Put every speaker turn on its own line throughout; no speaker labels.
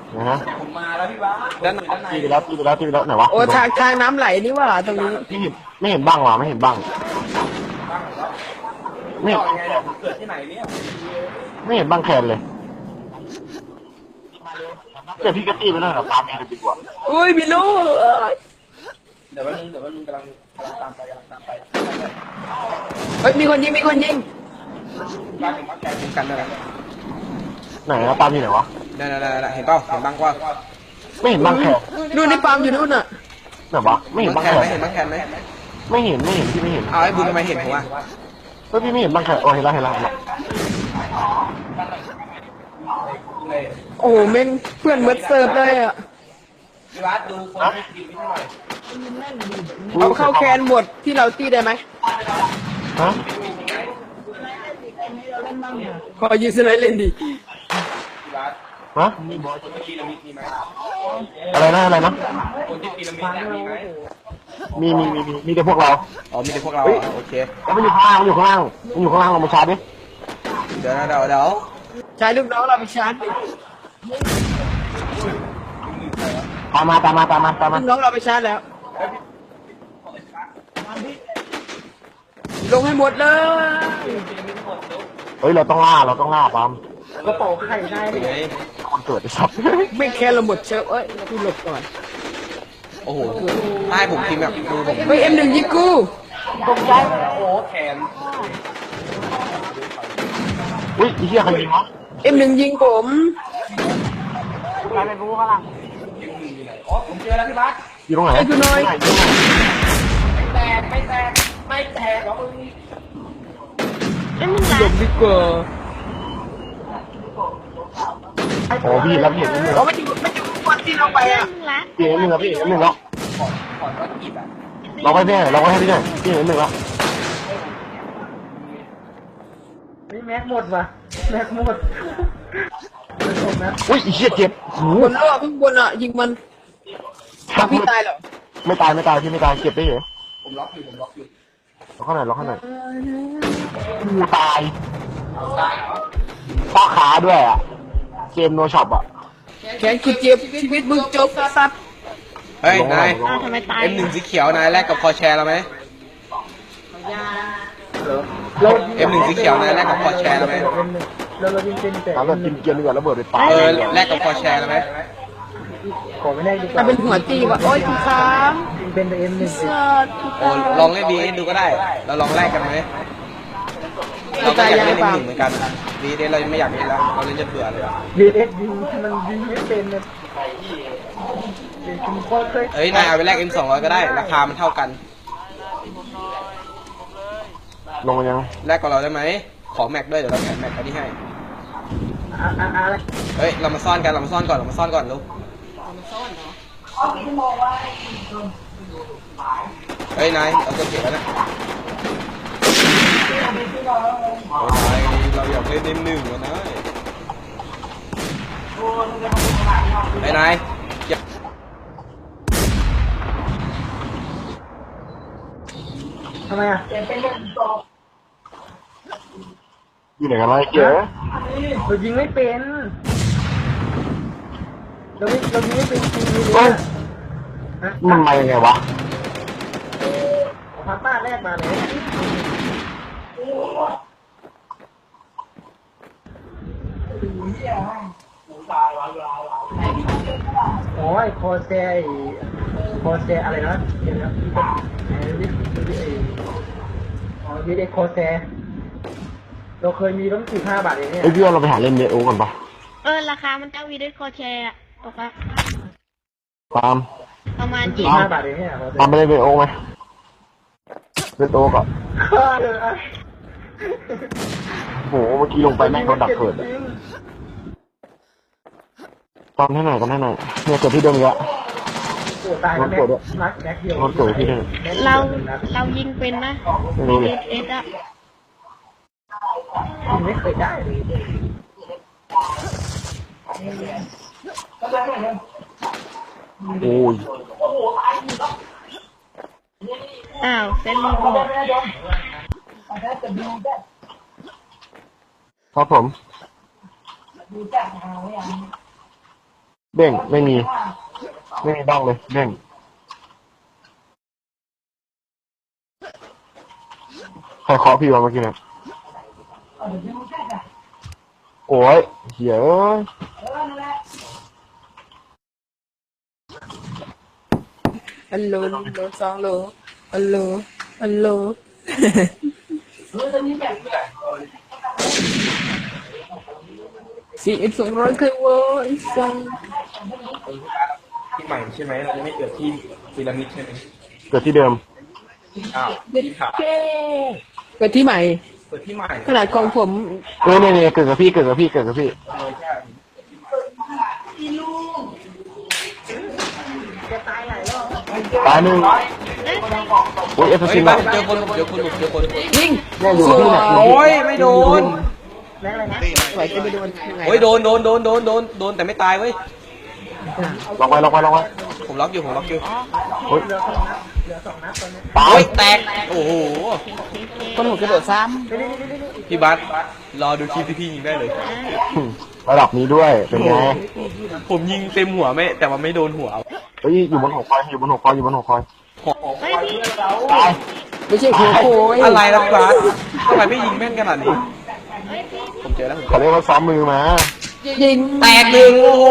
นะฮะ
ผมมาแล้วพี่บ้าด้านไหนด้านใน
ตีไปแล้วตีไปแล้วตีไปแล้วไหนวะ
โอ้ทางน้ำไหลนี่ว่าตรงนี้
ไม่เห็นบ้างวะไม่เห็นบ้างไม่เห็น
ยังไงเนี่ยผมเกิดที่ไหนเนี่ย
ไม่เห็นบ้างแคนเลยเดี๋ยวพี่ก็ตีไปแล้วเหรอตามเองเลยดีกว่า
อุ้ยพี่ลูก
เดี๋ยววันนึงกำลังตามไป
เฮ้ยมีคนยิง
บ้านผมมักแกงกันอะไร
ไหนนะตามที่ไหนวะ
ได้เห็นเปล่าเห็นบ้างว่า
ไม่เห็นบ้างแคน
นู่นในปาล์มอยู่นู่นน่ะ
ไหนวะไม่เห็นบ้างแคน
เห็นบ้างแคนไหม
ไม่เห็นพี่ไม่เห็น
เอาไอ้บุญทำไมเห็นผมวะ
เฮ้ยพี่ไม่เห็นบ้างแคนโอ้เห็นแล้วเห็นแล้ว
โอ้เม่งเพื่อนเบิร์ดเซิร์ฟเลยอ่ะ
พี่บ้าดูคนให้กินไม่เท่าไหร่
เอาเข้าแคนหมดที่เราตีได้ไหม
ฮะ
ขอยืนสไลด์เล่นดิ
พี่บ้า
ฮะ
คนที่ปีระมิดมีไหม
อะไรนะ
คนที่ปีระมิดมีไหม
มีแต่พวกเรา
อ๋อมีแต่พวกเราโอเค
แล้วมันอยู่ข้างล่างเรามาชาร์จดิ
เดี๋ยว
ใช้ลูกน้องเราไปชาร์จดิ
ตามมา
ลูกน้องเราไปชาร์จแล้ว ลงให้หมดเลย
เฮ้ยเราต้องล่าปั๊ม
กระเป๋าไข่ได้ดิ
คนเกิดไอ้สัตว์
ไม่แค่เราหมดเชิฟเอ้ยพี่หลบก่อน
โอ้โหถ้าให้ผมพิมพ์แบบดูผม
เฮ้ย M1 ยิงกู
โอ้แขน
อุ้ยไอ้เหี้ยใครยิงวะ
M1 ยิงผม
อ๋อผมเจอแล้วพี่บ้า
อยู่ตรงไหน
ไอ้คุณน้อย
ไม่แตกหรอมึง
หลบดีกว่า
โอ้พี่รับเห็นนิดนึง
เพราะมันอยู่วันที่เราไปอ่ะ
พี่เห็นนิดนึงครับพี่เห็นนิดนึงแล้ว
ขอนก็กีบอ่ะ
เราให้พี่หน่อยพี่เห็นนิดนึงแล้ว
นี่แม็กหมดว่ะแม็กหมด
อุ้ยไอ้เหี้ยเจ็บหู
บนโลกข้างบนอ่ะยิงมันพี่ตายเหรอ
ไม่ตายพี่ไม่ตายเจ็บได้เหรอ
ผมล็อกอยู่
ล็อกข้างไหนกูตายป้าขาด้วยอ่ะเกมโนช็อปอ่ะ
แขนคือเจ็บชีวิตมึงจบสัตว์
เฮ้ยนาย
ทำไมตาย
M1 สีเขียวนายแลกกับคอแชร์เราไหม M1 สีเขียวนายแลกกับคอแชร์เราไหม
เรายิงเป็นแต่
ตามแบบกินเกียร์ดีกว่าระเบิดไปตาย
แลกกับคอแชร์เราไหม
ขอไม่ได้ดีกว่าเป็นหัวตีว่ะโอ๊ยคุณค้างเป็นแต่ M1 สัตว์
โอ้ลองเล่นดีดูก็ได้ เราลองแลกกันไหมเราก็อยากเล่นM1เหมือนกันดีเดเราไม่อยากเล่นแล้วเราเล่นจนเบื่อเลย
VS ยิงมันยิงไม่เป็นเลยคุณพ่อเคย
เฮ้ยนายเอาไปแลก M200ก็ได้ราคามันเท่ากัน
ลงมายัง
แลกกับเราได้ไหมขอแม็กด้วยเดี๋ยวเราแถมแม็กอันนี้ให้
อะไร
เฮ้ยเรามาซ่อนกันลูกเฮ้ยนายเอาตัวเก็บแล้วนะเราอยากเล่นM1วะนายเฮ้ยนาย
ทำไมอ่ะ
อยู่ไหนกันวะไอ้เก๋
เรายิงไม่เป็นเรายิงไม่เป็นจริงเลย
เฮ้ยมันมายังไงวะ
พาต้าแรกมาเลยโอ้ยคอแซอะไรนะเดี๋ยวนะวีเด็กคอแซเราเคยมีตั้ง15 บาทเองเนี่ย
ไอ้พี่ว่าเราไปหาเล่นเนโอก่อนปะ
ราคามันจะวีด้วยคอแชร์อะตกละ
ตาม
ประมาณ
15 บาทเองเนี่ย
ตามไปเล่นเนโอไหมเล่นโอก่อนโหเมื่อกี้ลงไปแม่งโดนดักเกิดตามให้หน่อยเนี่ยเกิดที่เดิมอีกแล้ว
ตายแล้วนักแม็กเดียว
รถเกิดที่เดิม
เรายิงเป็นนะ
ไม่รู้เลย
เอสอะ
ไม่เคยได้
โอ้ย
อ้าวเซนลีบอก
ครับผมเด้งไม่มีบ้างเลยเด้งใครเคาะพี่วะเมื่อกี้เนี่ยโอ้ยเหี้ยเอ้ย
ฮัลโหลสองโลฮัลโหล4,200เคยเวอร์ไอ้สัง
ที่ใหม่ใช่ไหมเราจะไม่เกิดที่พีระมิดใช่ไหม
เกิดที่เดิม
อ้าว
เด็ด
ที่ขา
เก้เกิดที่ใหม่
เกิดที่ใหม่
ขนาดของผม
เนี่ยเกิดกับพี่ตายหนึ่งโอ้ยเอฟ
เฮ้ย
ซี
บ้า
มา
เจอคน
ยิง
เนี่ยอยู่กับพี่เนี่ย
โอ้ยไม่โดน
ไหวจะไปโดนยังไง
โอ้ยโดนแต่ไม่ตายเว้ย
ล็อกไว้
ผมล็อกอยู่
โอ้ยตาย
โอ้ยแตกโอ้โห
คนหัวกระโดดซ้
พี่บัสรอดูคลิปที่พี่ยิงได้เลย
ระดับนี้ด้วยเป็นไง
ผมยิงเต็มหัวไม่แต่ว่าไม่โดนหัว
เฮ้ยอยู่บนหอคอย
เฮ้ยพี่
ตาย
ำไม่ใช่โคโค่
อะไรนะบัสทำไมไม่ยิงแม่นขนาดนี้ผมเจอแล้ว
เขาเรียกว่าซ้อมมือมา
ยิง
แตกหนึ่งโอ้โห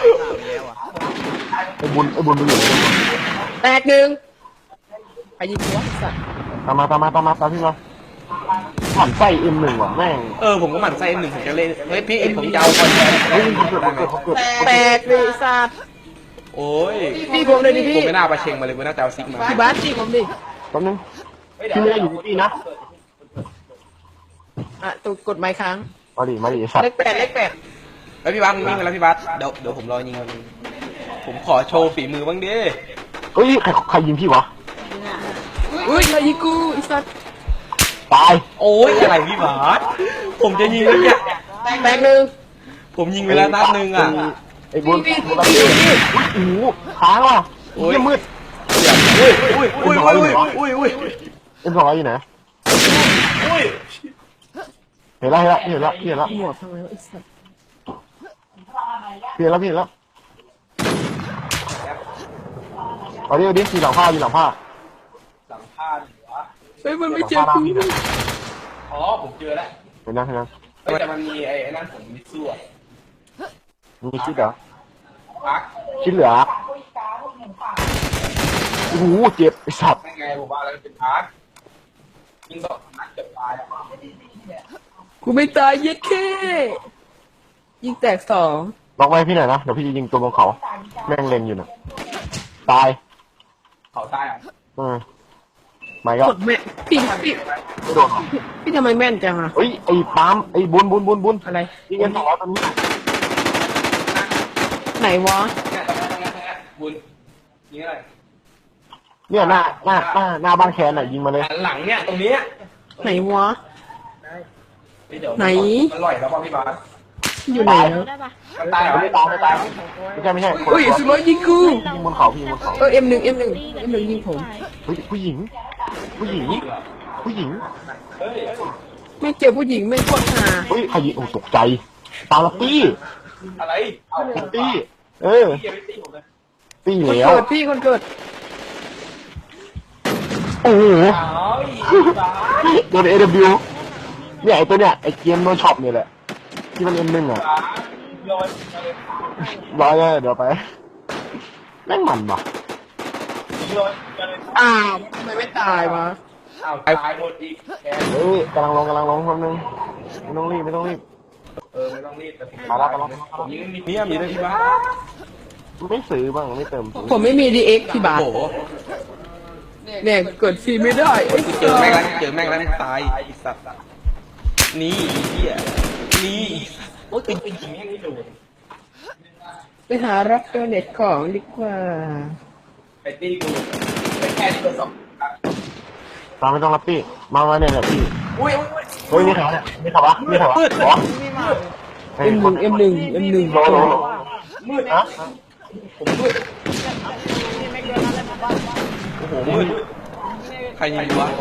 ไอ้บุญไปอยู่
แตกหนึ่งไปยิงหัวสัตว์
ตามพี่มาผ่านไส้ M1 ว่ะแม่ง
ผมก็หมั่นไส้หนึ่งผมจะเล่นเฮ้ยพี่ผมจะเอาคอนแทน
เฮ้ยเขาเกิด
แตกเลยสัตว์
โอ้ย
พี่ผมเลยดิพี่
ผมไม่น่าประเชงมาเลยผมน่าจะเอาซิกมา
พี่บาสพี่ผมดิ
แป๊บนึงพี่ไม่ได้อยู่ที่นี่นะ
อ่ะตัวกดไม้ค้าง
มาดิสัตว์
เลขแปด
เฮ้ยพี่บัสวิ่งไปแล้วพี่บัสเดี๋ยวผมรอยิงผมขอโชว์ฝีมือบ้างดิ
เฮ้ยใครยิงพี่วะ
อุ้ยใครยิงกูไอ้สัตว์
ตาย
โอ้ยอะไรพี่บัสผมจะยิงแล้วเนี่ย
แตกหนึ่ง
ผมยิงไปแล้วนัดหนึ่งอ่ะ
ไอ้บุญรับพี่โอ้โหค้างว่ะโอ้ยมืด
อุ้ย
M200อยู่ไหนเห็นแล้ว
หมวกทำไมวะไอ้สัตว์
เห็นแล้วเอาดิทีหลังผ้า
หลังผ้าเหรอ
เฮ้ยมันไม่เจอกู
อ๋อผมเจอแล้ว
เห็นยัง
แต่มันมีไอ้นั่นผมมิสู้อ่ะ
มีคิดเหรอ
พัก
คิดเหลือโอ้โหเจ็บไอ้สัตว์
ยังไงผมว่าแล้วเป็นพักยิงต่อนัดเกือบตายอ่ะ
กูไม่ตายเย็ดแค่ยิงแตกสอง
ล็อกไว้พี่หน่อยนะเดี๋ยวพี่จะยิงตัวบนเขาแม่งเล็งอยู่น่ะตาย
เขาตายอ่ะ
ไม่ก็
กดแม่พี่
ไม่โดนหรอ
พี่ทำไมแม่นจังอะ
เฮ้ยไอ้ปั๊มไอ้บุญ
อะไร
ยิงกัน200ตอนนี้
ไหนวะ
บุญยิงอะไร
เนี่ยหน้าบ้านแคนน่ะยิงมาเลย
หลังเนี่ยตรงนี้
ไหนวะ ไหน
มันลอยแล้วป่ะพี่บาส
อยู่ไหนแล้ว
ได้ปะ
มันตาย
ไม่ตายไม่ใช่คน
อุ้ยสุดร้อยยิงกู
ยิงบนเขาพี่บนเขา
M1 ยิงผม
เฮ้ยผู้หญิง
ไม่เจอผู้หญิงไม่โคตรหา
เฮ้ยใครยิงโอ้ตกใจตาละปี้
อะไรเอาผม
ตี้เออ
พี่ยังไม่ตีผมเลย
ตี้
คน
แล้ว
เกิดพี่คนเกิด
โอ้โห
อ้าว
โดน AW เนี่ยไอ้ตัวเนี่ยไอ้เกมโดนช็อปเนี่ยแหละที่มัน M1 อ่ะ
โยน
ร้อยเลยเดี๋ยวไปแม่งมันว่ะ
โยน
อ้าวทำไมไม่ตายวะ
เอาตายหมดอีกแก
เฮ้ยกำลังลงแป๊บนึงไม่ต้องรีบ
ไม่ต้องรีบแต่
มาแล้ว
ผมยิงมีมีด้วยพี่บาส
ไม่ซื้อบ้างไม่เติม
ผมไม่มี DX พี่บาท
โอ้โห
เนี่ยเกิดฟรีไม่ได้ไอ้
เจอแม่งแล้วตายไอ้สัตว์นี่เหี้ยนี่โอ้ยจริงๆนี่โดน
ไปหารับโดเน็ตของดีกว่า
ไปตีกูไปแค่ที่เบอร์สอง
ตามไม่ต้องรับพี่มาเนี่ยแหละพี่
อุ้ย
เฮ้ยนี่เขาเนี่ยนี่เขาวะอ๋อ
M1
โล
มืด
ฮะ
ผมมืดโอ้โหมืดใครยิงวะ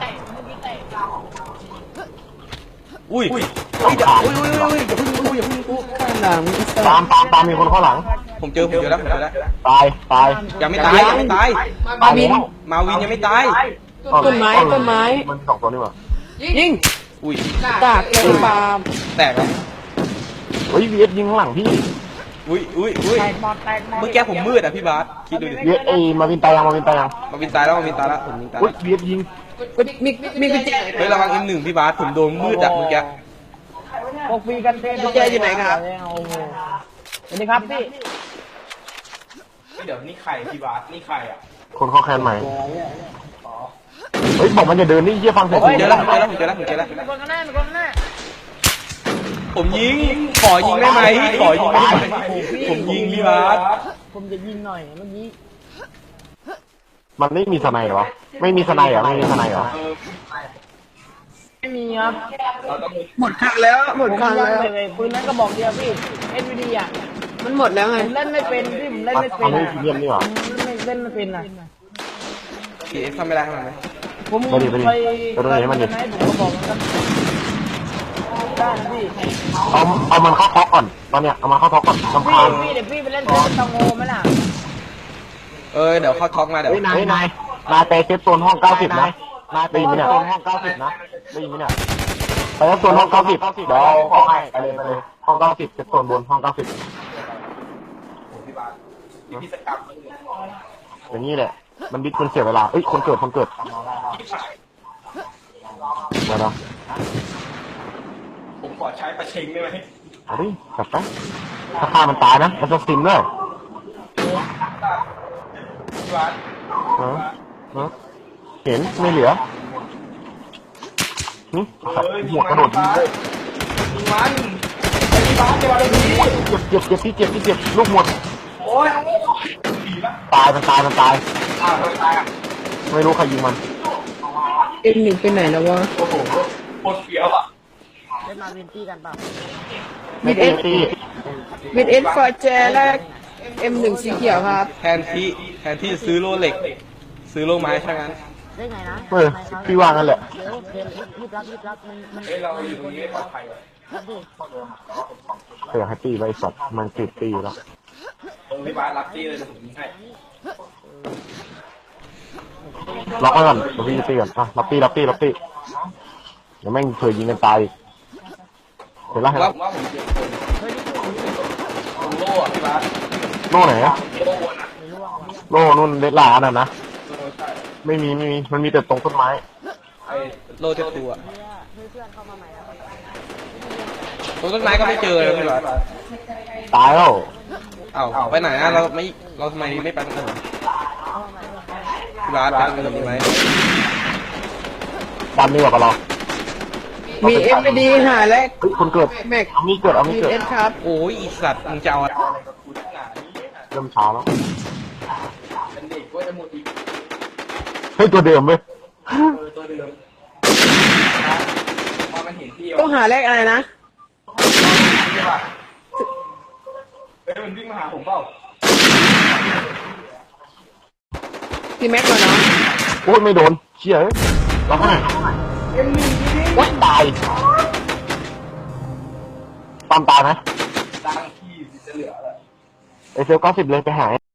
อุ้ยอย่าเพิ่งกู
ข้างหลังไอ้สั
ตามมีคนข้างหลัง
ผมเจอแล้วผมเจอแล้ว
ตายตาย
ยังไม่ตายยังไม่ตาย
มาบิน
มาวินยังไม่ตาย
ต้นไม้ต้นไม้
มันสองตัวนี่หว่า
ยิง
อุ้ย
ดากเลยปาล์ม
แตกแล้ว
เฮ้ย VS ยิงข้างหลังพี่
อุ้ยเมื่อกี้ผมมืดอ่ะพี่บาสคิดดูดิ
VS มาวินตายยังมาวินตายยัง
มาวินตายแล้วผมวินตาย
อุ้ย VS ยิง
มีกุญแจ
เฮ้ยระวังM1พี่บาสผมโดนมืดอ่ะเมื่อกี้
กุญแจอยู่ไหนครับสวัสดีครับพี่
เดี๋ยวนี่ใครพี่บาสนี่ใครอ่ะ
คนเข้าแคนใหม่เฮ้ยบอกมันจะเดินนี่เยี่ยฟังเสียง
ผมเจอแล้วผมเจอแล้ว
มีคนข้างหน้ามีคนข้างหน้า
ผมยิงขอยิงได้ไหมขอยิงได้ไหมผมยิงพี่บาส
ผมจะยิงหน่อยเมื่อกี้
มันไม่มีสไนเหรอไม่มีสไนเหรอไม่มีสไนเหรอ
ไม่มีครับหมดคันแล้วหมดคันแล้วปืนนั้นก็บอกเดียวพี่ SVD อ่ะมันหมดแล้วไงผมเล่นไม่เป็นพี่ผมเล่นไม่เป็น
มันไม่เยี่ยมนี่หว่า
เล่นไม่เป็นอ่ะ
PX ทำไม่ได้ทำไม
ผม
ไปดิไปดิ
ไป
ไปดูไหนมันดิ
ผมก็บอกมันได้นะพี่
เอามันเข้าท็อกก่อนตอนเนี้ยเอามันเข้าท็อกก่อนลำ
พี่
คาญ
เดี๋ยวพี่ไปเล่นเซฟตังโงไหมล่ะ
เดี๋ยวเข้าท็อกมาเดี๋ยว
เฮ้ยนายไปเซฟโซนห้อง90นะนายไปยิงเนี่ยห้อง90นะได้ยินไหมเนี่ยไปเซฟโซนห้อง90เดี๋ยวเข้าให้ไปเลยห้อง90เซฟโซนบนห้อง90อย่างนี้แหละ มันดิสมันเสียเวลาเอ้ยคนเกิดเดี๋ยวนะ
ผมขอใช้ประชิงได้ไหม
เอาดิจับไปถ้าฆ่ามันตายนะมันจะซิมด้วย
พี่บาส
ฮะเห็นไม่เหลือนี่หัวกระโดดยิงเลย
ยิงมันพี่บาสเดี๋ยวเราดี
เจ็บที่เจ็บลูกหมด
โอ้ย
ตายมันตาย
อ้าวทำไมตายอ่ะ
ไม่รู้ใครยิงมัน
M1ไปไหนแล้ววะ
โอ้โหโคตรเฟี้ยวอ่ะ
เล่นมาเวนตี้กันเปล่า
ไม่ตีตี
บิดเอสฟอร์เจแรก M1 สีเขียวครับ
แทนที่จะซื้อโล่เหล็ก ซื้อโล่ไม้ใช่ไหม
ได้ไงนะ
พี่ว่างั้นแหละ
เดี๋ยวรีบรับมัน
เฮ้ยเราอยู่ตรงนี้ไม่ปลอดภัย
เคยให้ตีไว้สัตว์มันติดตีแล้ว
พี่บาสรับที่เลยผมยิงให้
ล็อกไว้ก่อนเดี๋ยวพี่จะตีก่อนอ่ะรับตีเดี๋ยวแม่งเคยยิงกันตายเห็นแล้ว
ว่าผมเจอคนโล่อะพี่บาส
โน่ไหนโน่นู่นเด็ดหลาน่ะนะไม่มีมันมีแต่ตรงต้นไม้
โล่เจ็บตัวตรงต้นไม้ก็ไม่เจอเลยพี่บาส
ตายแล้ว
เอ้าไปไหนอะเราทำไมไม่ไปตรงอื่นพี่บาสไปตรงอื่นไหม
ดันนี่กว่ากับเรา
มี MD หาแรก
เฮ้ยคนเกิด
แม็ก
เอามีเกิด
มีเอสครับ
โอ้ยอีสัตว์มึงจะเอาอะไร
เริ่มช้าแล้วเฮ้ยตัวเดิมเว้ย
ต้องหาแรกอะไรนะ
มันวิ่งมาหาผมเปล่า
พี่แม็กก่อนเนาะ
โอ้ยไม่โดนเชี่ยเราให้ว้ายตายตามตายไหม
ตั้งที่จะเหลือเลย
ไอเซล90เลยไปหา